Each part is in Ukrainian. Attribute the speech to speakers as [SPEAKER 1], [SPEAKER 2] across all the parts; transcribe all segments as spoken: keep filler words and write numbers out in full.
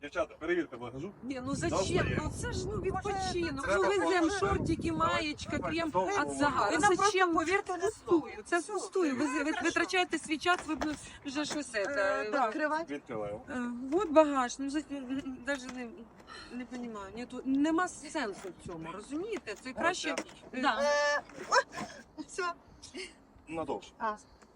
[SPEAKER 1] Дівчата, перевірте багажу.
[SPEAKER 2] Ні, ну зачем? Ну це ж ну відпочинок. Ну
[SPEAKER 1] Треба
[SPEAKER 2] веземо
[SPEAKER 1] просто-
[SPEAKER 2] шортики, маєчка, крем
[SPEAKER 1] Давайте
[SPEAKER 2] від загара.
[SPEAKER 3] Ви нам
[SPEAKER 2] Зачем?
[SPEAKER 3] просто повірте на
[SPEAKER 2] Пустую. Це
[SPEAKER 3] Все,
[SPEAKER 2] пустую. Ви, ви
[SPEAKER 3] хорошо.
[SPEAKER 2] витрачаєте свій час, ви б вже щось
[SPEAKER 3] Е,
[SPEAKER 2] це.
[SPEAKER 3] да. Відкривати.
[SPEAKER 1] Відкриваємо.
[SPEAKER 2] Е, Вот багаж, ну навіть не, не розумію. Нету, нема сенсу в цьому, розумієте? Це краще.
[SPEAKER 1] Ось
[SPEAKER 2] Да.
[SPEAKER 3] Е, о, Все.
[SPEAKER 1] Надовше.
[SPEAKER 3] А,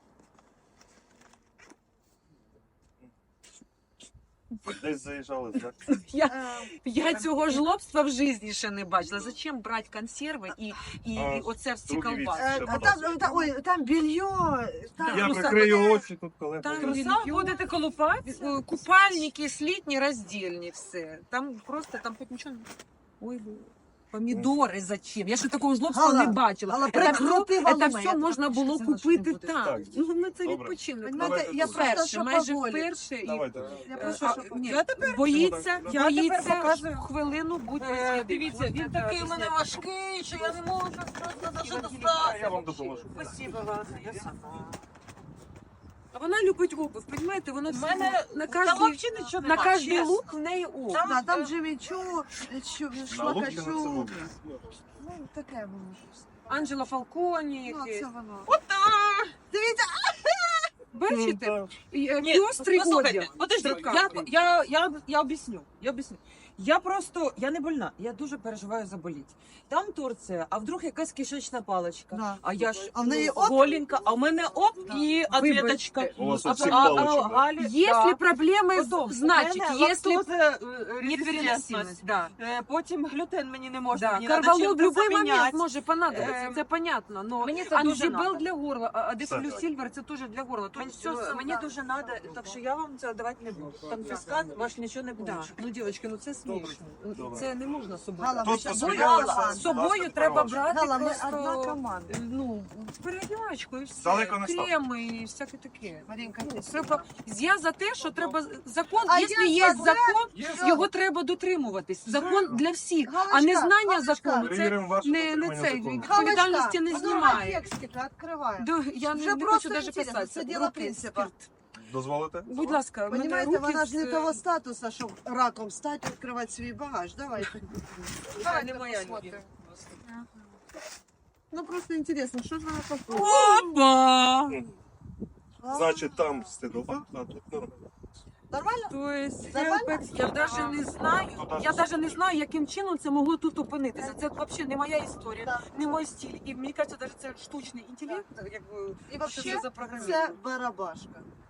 [SPEAKER 1] Десь заїжджали, так?
[SPEAKER 2] Я,
[SPEAKER 3] е,
[SPEAKER 2] я цього жлобства в житті ще не бачила. Зачем брати консерви і, і,
[SPEAKER 1] А,
[SPEAKER 2] і оце в ці
[SPEAKER 1] другий
[SPEAKER 2] колбаси?
[SPEAKER 3] е, а там, та- ой, там белье. Там,
[SPEAKER 1] Я
[SPEAKER 2] ну,
[SPEAKER 1] прикрию
[SPEAKER 3] саме-
[SPEAKER 1] очі тут, коли
[SPEAKER 2] Там
[SPEAKER 1] поїду.
[SPEAKER 2] труса будете колупати? Е, Купальники, слітні, роздільні, все. Там просто, там хоч нічого. Ой, бо- помідори зачем? Я ще такого жлобства
[SPEAKER 3] Гала,
[SPEAKER 2] не бачила.
[SPEAKER 3] Гала,
[SPEAKER 2] Це
[SPEAKER 3] прикрути
[SPEAKER 2] все,
[SPEAKER 3] валуми,
[SPEAKER 2] це
[SPEAKER 3] я
[SPEAKER 2] все можна
[SPEAKER 3] так
[SPEAKER 2] було
[SPEAKER 3] хочу, це
[SPEAKER 2] купити
[SPEAKER 3] буде.
[SPEAKER 2] там.
[SPEAKER 1] Так.
[SPEAKER 2] Ну, ну, це
[SPEAKER 1] Добре.
[SPEAKER 2] відпочинок.
[SPEAKER 3] Понимаєте,
[SPEAKER 1] Давайте
[SPEAKER 3] я
[SPEAKER 1] тут.
[SPEAKER 3] просто,
[SPEAKER 2] Вперше,
[SPEAKER 3] що
[SPEAKER 2] майже
[SPEAKER 3] поволі.
[SPEAKER 2] вперше. І
[SPEAKER 1] Давайте.
[SPEAKER 3] Я
[SPEAKER 2] А,
[SPEAKER 3] просто,
[SPEAKER 2] а,
[SPEAKER 3] що
[SPEAKER 2] ні,
[SPEAKER 3] я тепер
[SPEAKER 2] боїться,
[SPEAKER 1] Ну,
[SPEAKER 3] я
[SPEAKER 2] боїться
[SPEAKER 3] тепер показую.
[SPEAKER 2] хвилину бути.
[SPEAKER 3] Е, Дивіться, він такий у мене важкий, що я не можу просто за що
[SPEAKER 1] Я
[SPEAKER 3] достати.
[SPEAKER 1] вам допоможу.
[SPEAKER 3] Спасибо, Вася, я сама.
[SPEAKER 2] А вона любить обувь, розумієте? Вона
[SPEAKER 3] У мене
[SPEAKER 2] на
[SPEAKER 3] там
[SPEAKER 2] кожній,
[SPEAKER 3] взагалі нічого
[SPEAKER 2] на
[SPEAKER 3] нема,
[SPEAKER 2] кожний
[SPEAKER 3] чесно.
[SPEAKER 2] лук в неї обувь.
[SPEAKER 3] Там,
[SPEAKER 4] Да, там
[SPEAKER 3] е,
[SPEAKER 4] Джиммі Чу, Чу,
[SPEAKER 1] На лук
[SPEAKER 4] Шлакачу.
[SPEAKER 1] це буде.
[SPEAKER 4] Ну, таке було щось.
[SPEAKER 2] Анджела Фалконі
[SPEAKER 4] Ну,
[SPEAKER 2] якесь.
[SPEAKER 4] це воно.
[SPEAKER 3] Дивіться,
[SPEAKER 2] Бачите? І, е,
[SPEAKER 3] Ні,
[SPEAKER 2] Пестрий
[SPEAKER 3] послухайте,
[SPEAKER 2] одяг.
[SPEAKER 3] подожди, я,
[SPEAKER 2] Шикарний.
[SPEAKER 3] я, я, я об'ясню, я об'ясню. Я просто, я не больна, я дуже переживаю заболіти. Там Турція, а вдруг якась кишечна паличка.
[SPEAKER 4] Да.
[SPEAKER 3] А я ж
[SPEAKER 4] А в неї
[SPEAKER 3] ну,
[SPEAKER 4] оп?
[SPEAKER 3] голенька, а в мене оп
[SPEAKER 4] Да.
[SPEAKER 3] і ответочка.
[SPEAKER 1] У вас
[SPEAKER 3] А,
[SPEAKER 1] оці
[SPEAKER 3] а, а,
[SPEAKER 1] палички, да?
[SPEAKER 3] Галі,
[SPEAKER 2] Если
[SPEAKER 3] да.
[SPEAKER 2] проблемы,
[SPEAKER 3] Потом,
[SPEAKER 2] значит,
[SPEAKER 3] у мене
[SPEAKER 2] если
[SPEAKER 3] лактоза, е,
[SPEAKER 2] непереносимость,
[SPEAKER 3] резистентність.
[SPEAKER 2] да.
[SPEAKER 3] Е, Потім глютен мені не можна,
[SPEAKER 2] Да,
[SPEAKER 3] мені треба
[SPEAKER 2] карвалол в
[SPEAKER 3] чим-то
[SPEAKER 2] будь-який момент
[SPEAKER 3] заміняти.
[SPEAKER 2] може понадобитися,
[SPEAKER 3] Ем,
[SPEAKER 2] це понятно, но
[SPEAKER 3] Мені це дуже
[SPEAKER 2] Анзібел
[SPEAKER 3] надо.
[SPEAKER 2] для горла, а
[SPEAKER 1] Все.
[SPEAKER 2] Дефлюсильвер це теж для горла.
[SPEAKER 3] Мені,
[SPEAKER 2] Тут все
[SPEAKER 3] все,
[SPEAKER 2] саме.
[SPEAKER 3] мені дуже треба, так що я вам це давати не буду. Там фіскан ваш нічого не буде.
[SPEAKER 2] Да. Ну, дівчатки, ну це смішно.
[SPEAKER 1] Добре.
[SPEAKER 2] Це не можна з собою.
[SPEAKER 4] Гала,
[SPEAKER 1] Тут
[SPEAKER 4] ми щас
[SPEAKER 1] по
[SPEAKER 4] одна
[SPEAKER 1] своєму
[SPEAKER 4] команда.
[SPEAKER 2] З собою
[SPEAKER 1] Власне,
[SPEAKER 2] треба
[SPEAKER 1] право.
[SPEAKER 2] брати
[SPEAKER 4] Гала, ми
[SPEAKER 2] просто,
[SPEAKER 4] одна команда.
[SPEAKER 2] ну, переодівачку і все.
[SPEAKER 1] Далеко не став.
[SPEAKER 2] Креми і всяке таке.
[SPEAKER 4] Марінка,
[SPEAKER 2] Ну, треба- Я за те, що треба закон,
[SPEAKER 4] А
[SPEAKER 2] якщо
[SPEAKER 4] я
[SPEAKER 2] є
[SPEAKER 4] за
[SPEAKER 2] закон,
[SPEAKER 4] Є.
[SPEAKER 2] його треба дотримуватись. Закон для всіх, а
[SPEAKER 4] Галочка,
[SPEAKER 2] незнання
[SPEAKER 4] Галочка.
[SPEAKER 2] закону це
[SPEAKER 1] Перевіримо ваше
[SPEAKER 2] не, не
[SPEAKER 1] дотримання
[SPEAKER 2] цей
[SPEAKER 1] закону.
[SPEAKER 2] відповідальності не
[SPEAKER 4] Галочка,
[SPEAKER 2] знімає.
[SPEAKER 4] а текстик відкриваємо.
[SPEAKER 2] Да, я
[SPEAKER 4] Вже
[SPEAKER 2] не, не
[SPEAKER 4] просто
[SPEAKER 2] хочу навіть
[SPEAKER 4] інтересно,
[SPEAKER 2] писати.
[SPEAKER 4] це діло
[SPEAKER 2] Руки,
[SPEAKER 4] принципу.
[SPEAKER 2] спирт.
[SPEAKER 1] Дозволите?
[SPEAKER 2] Будь ласка, в мене
[SPEAKER 4] Понимаєте,
[SPEAKER 2] руки
[SPEAKER 4] вона ж не
[SPEAKER 2] з-
[SPEAKER 4] того статусу, щоб раком стати, відкривати свій багаж. Давайте.
[SPEAKER 2] Це не моя
[SPEAKER 4] посмотрим.
[SPEAKER 2] любов.
[SPEAKER 4] Ну просто інтересно, що ж вона таке?
[SPEAKER 2] Опа!
[SPEAKER 1] Значить, там стидова, а тут нормально.
[SPEAKER 4] Нормально?
[SPEAKER 2] То есть,
[SPEAKER 4] Нормально?
[SPEAKER 2] Helpex, я навіть не знаю, я навіть не знаю, яким чином це могло тут опинитися. Це взагалі не моя історія,
[SPEAKER 4] Да.
[SPEAKER 2] не мій стиль. І мені кажеться, навіть це штучний інтелект, якби
[SPEAKER 4] І взагалі
[SPEAKER 2] ще запрограмований.
[SPEAKER 4] це барабашка.